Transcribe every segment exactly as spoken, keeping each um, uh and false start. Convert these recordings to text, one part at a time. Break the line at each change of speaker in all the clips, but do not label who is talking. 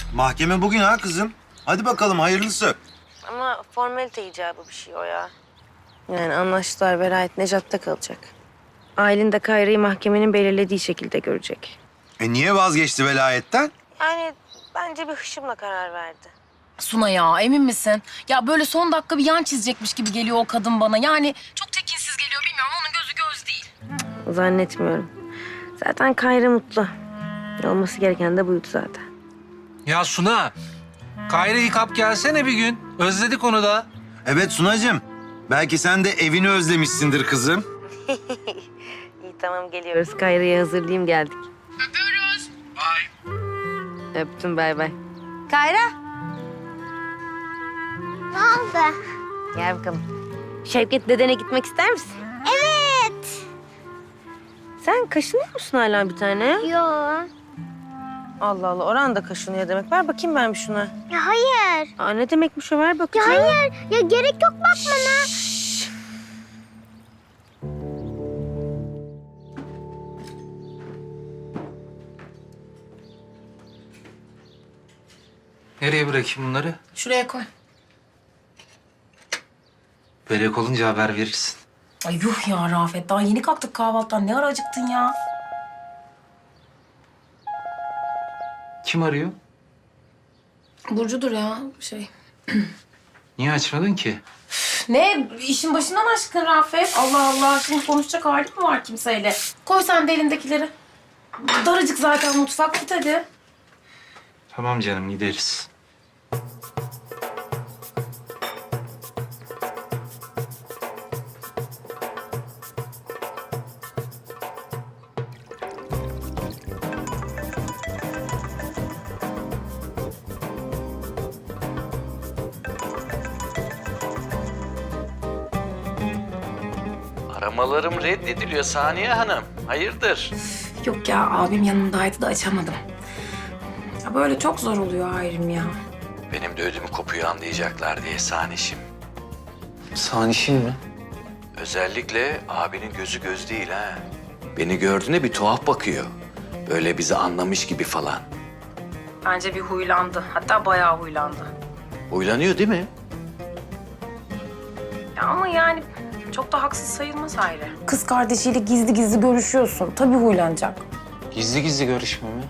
Mahkeme bugün ha kızım. Hadi bakalım hayırlısı.
Ama formalite icabı bir şey o ya. Yani anlaştılar, velayet Nejat'ta kalacak. Aylin de Kayra'yı mahkemenin belirlediği şekilde görecek.
E niye vazgeçti velayetten?
Yani bence bir hışımla karar verdi.
Suna ya, emin misin? Ya böyle son dakika bir yan çizecekmiş gibi geliyor o kadın bana. Yani çok tekinsiz geliyor, bilmiyorum. Onun gözü göz değil.
Zannetmiyorum. Zaten Kayra mutlu. Olması gereken de buydu zaten.
Ya Suna, Kayra'yı kap gelsene bir gün. Özledik onu da.
Evet Sunacığım. Belki sen de evini özlemişsindir kızım.
İyi tamam geliyoruz. Kayra'yı hazırlayayım geldik. Öpüyoruz. Bye. Öptüm bay bay. Kayra.
Ne oldu?
Gel bakalım. Şevket dedene gitmek ister misin?
Evet.
Sen kaşınıyor musun hala bir tane?
Yo.
Allah Allah Orhan da kaşınıyor demek. Ver bakayım ben bir şuna.
Ya hayır.
Aa, ne demekmiş o ver
Ya
bakayım.
hayır. Ya gerek yok bakmana.
Nereye bırakayım bunları?
Şuraya koy.
Börek olunca haber verirsin.
Ay yuh ya Rafet, daha yeni kalktık kahvaltıdan. Ne ara acıktın ya?
Kim arıyor?
Burcu'dur ya, şey.
Niye açmadın ki?
Ne? İşin başından aşkın Rafet. Allah Allah, şimdi konuşacak halim mi var kimseyle? Koy sen de elindekileri. Daracık zaten mutfak, git hadi.
Tamam canım, gideriz.
Aramalarım reddediliyor Saniye Hanım. Hayırdır?
Yok ya, abim yanımdaydı da açamadım. Ya böyle çok zor oluyor Hayrim ya.
Benim de ödümü kopuyor anlayacaklar diye Sanişim.
Sanişim mi?
Özellikle abinin gözü göz değil ha. Beni gördüğünde bir tuhaf bakıyor. Böyle bizi anlamış gibi falan.
Bence bir huylandı. Hatta bayağı huylandı.
Huylanıyor değil mi?
Ya ama yani çok da haksız sayılmaz Hayri. Kız kardeşiyle gizli gizli görüşüyorsun. Tabii huylanacak.
Gizli gizli görüşme mi?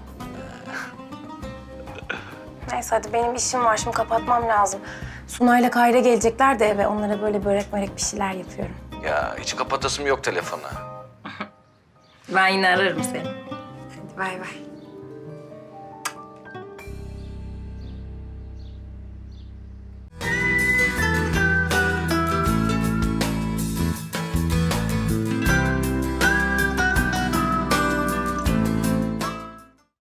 Neyse hadi benim işim var. Şimdi kapatmam lazım. Sunay'la Kayra gelecekler de eve. Onlara böyle börek börek bir şeyler yapıyorum.
Ya hiç kapatasım yok telefonu.
Ben yine ararım seni. Hadi bay bay.